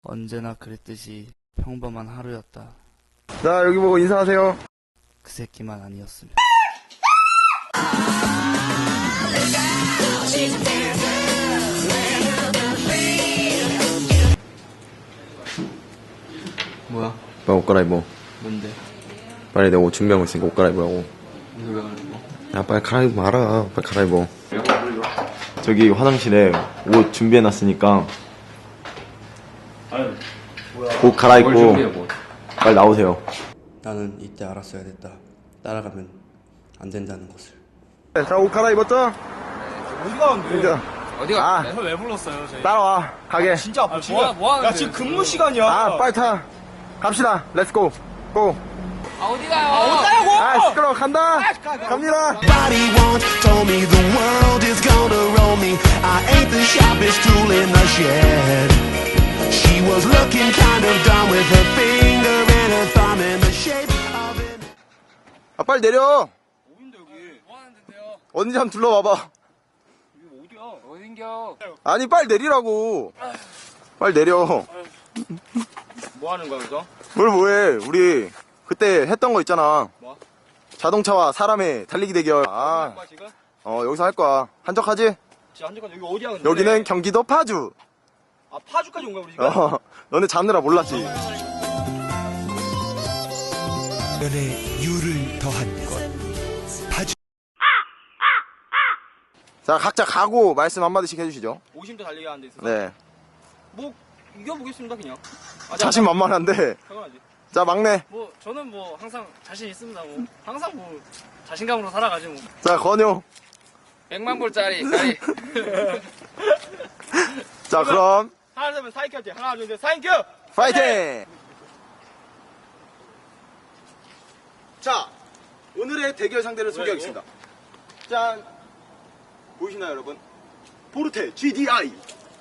언제나 그랬듯이 평범한 하루였다. 자, 여기 보고 인사하세요. 그 새끼만 아니었으면. 뭐야? 빨리 옷 갈아입어. 뭔데? 빨리 내가 옷 준비하고 있으니까 옷 갈아입으라고. 이거 왜 그러는 거? 야, 빨리 갈아입어 말아. 빨리 갈아입어. 저기 화장실에 옷 준비해놨으니까 옷 뭘 갈아입고 준비해 뭐? 빨리 나오세요. 나는 이때 알았어야 됐다. 따라가면 안 된다는 것을. 자, 옷 갈아입었죠? 어디 가는데? 이제 어디가? 아. 왜 불렀어요, 저희? 따라와. 가게. 진짜 아파. 뭐 하는데? 야, 지금 근무 시간이야. 아, 빨리 타. 갑시다. 렛츠고. 고. 어디 가냐고! 아, 시끄러워. 간다. 갑니다. Somebody once told me the world is gonna roll me. I ain't the sharpest tool in the shed. She was looking kind of dumb with her finger and her thumb in the shape of an... 아, 빨리 내려. 어딘데, 여기? 뭐 하는데요? 어딘지 한번 둘러봐봐. 여기 어디야? 어딘겨? 아니, 빨리 내리라고. 빨리 내려. 뭐 하는 거야, 여기서? 뭘 뭐해. 우리 그때 했던 거 있잖아. 뭐? 자동차와 사람의 달리기 대결. 할 아, 거야, 지금? 여기서 할 거야. 한적하지? 진짜 한적한 여기 어디야, 근데? 여기는 경기도 파주. 아, 파주까지 온 거야, 우리 지금? 너네 자느라 몰랐지. 연에 유를 더한 것. 파주. 자, 각자 각오 말씀 한마디씩 해주시죠. 50대 달리기 하는 데 있어서. 네. 뭐, 이겨보겠습니다, 그냥. 자신만만한데. 당연하지. 자, 막내. 뭐 저는 뭐 항상 자신 있습니다. 뭐 항상 뭐 자신감으로 살아가지 뭐. 자, 건효. 100만 불짜리 가리. 자, 그럼 하나, 둘, 셋, 사인큐 할게. 하나, 둘, 셋, 사인큐! 파이팅! 자, 오늘의 대결 상대를 소개하겠습니다. 짠! 보이시나요, 여러분? 포르테 GDI.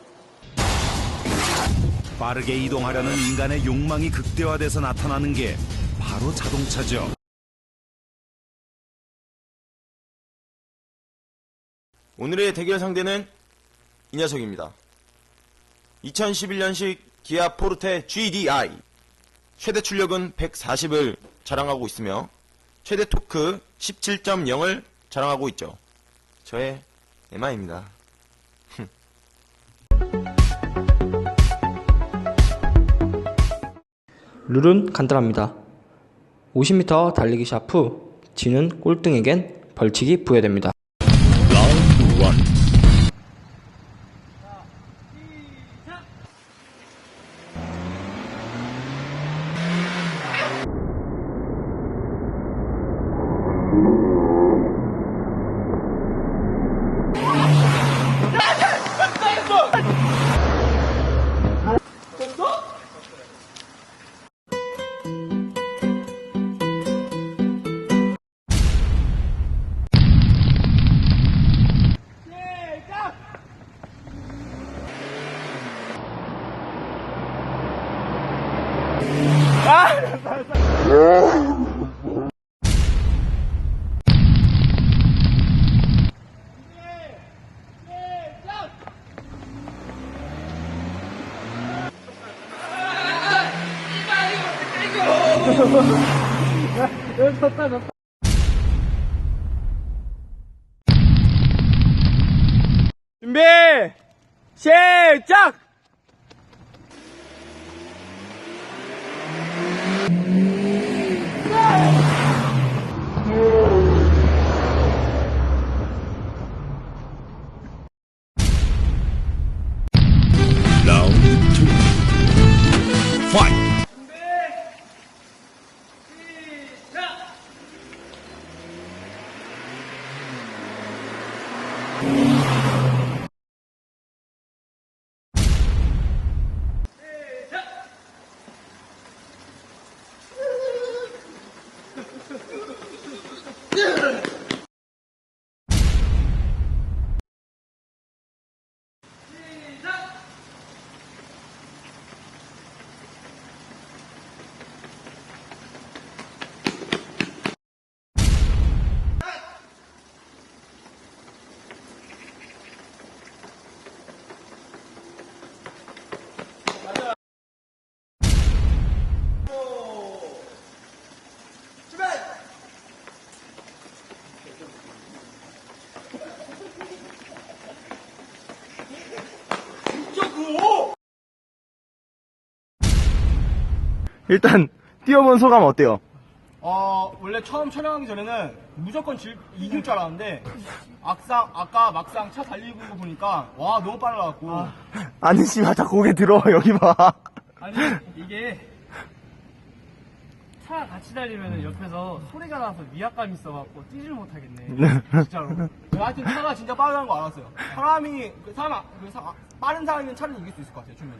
빠르게 이동하려는 인간의 욕망이 극대화돼서 나타나는 게 바로 자동차죠. 오늘의 대결 상대는 이 녀석입니다. 2011년식 기아 포르테 GDI. 최대 출력은 140을 자랑하고 있으며 최대 토크 17.0을 자랑하고 있죠. 저의 에마입니다. 룰은 간단합니다. 50m 달리기 샷 후 지는 꼴등에겐 벌칙이 부여됩니다. 라운드 1. 준비! 시작! 라운드 2. 파이트! 일단 뛰어본 소감 어때요? 원래 처음 촬영하기 전에는 무조건 이길 줄 알았는데, 아까 막상 차 달리고 보니까, 와, 너무 빨라갖고. 아니 씨발 다 고개 들어 여기 봐. 아니 이게 차 같이 달리면 옆에서 소리가 나서 위압감이 있어갖고 뛰질 못하겠네. 진짜로. 하여튼 차가 진짜 빠르다는 거 알았어요. 빠른 사람이면 차를 이길 수 있을 것 같아요, 주면은.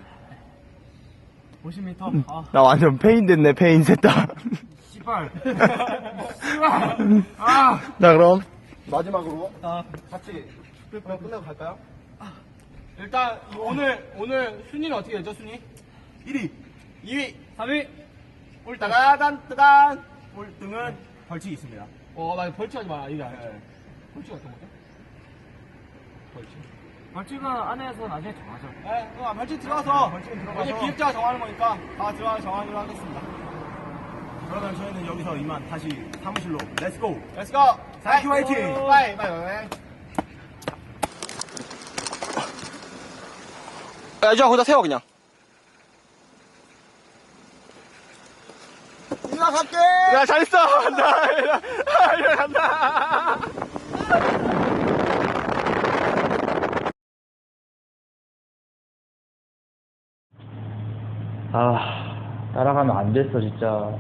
50m. 아, 나 완전 페인 됐네 페인 셋다. 씨발. 씨발. 아. 자 그럼 마지막으로 같이 끝내고 갈까요? 일단 오늘 순위는 어떻게 되죠? 순위? 1위, 2위, 3위. 따단 꼴등은 벌칙이 있습니다. 나 벌칙하지 마라. 이게 아니죠. 벌칙 어떤 거죠? 벌칙은 안에서 나중에 정하죠. 네, 벌칙 들어가서 어제 기획자가 정하는 거니까 다 들어가서 정하기로 하겠습니다. 그러면 저희는 여기서 이만 다시 사무실로 렛츠고. Let's go. Thank you, 화이팅! 바이. 야, 이제 거기다 세워 그냥. 일나 갈게. 야, 잘했어. 간다. 따라가면 안 됐어, 진짜.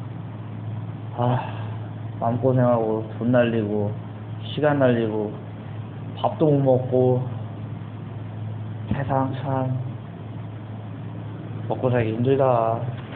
마음고생하고, 돈 날리고, 시간 날리고, 밥도 못 먹고, 세상 참, 먹고 살기 힘들다.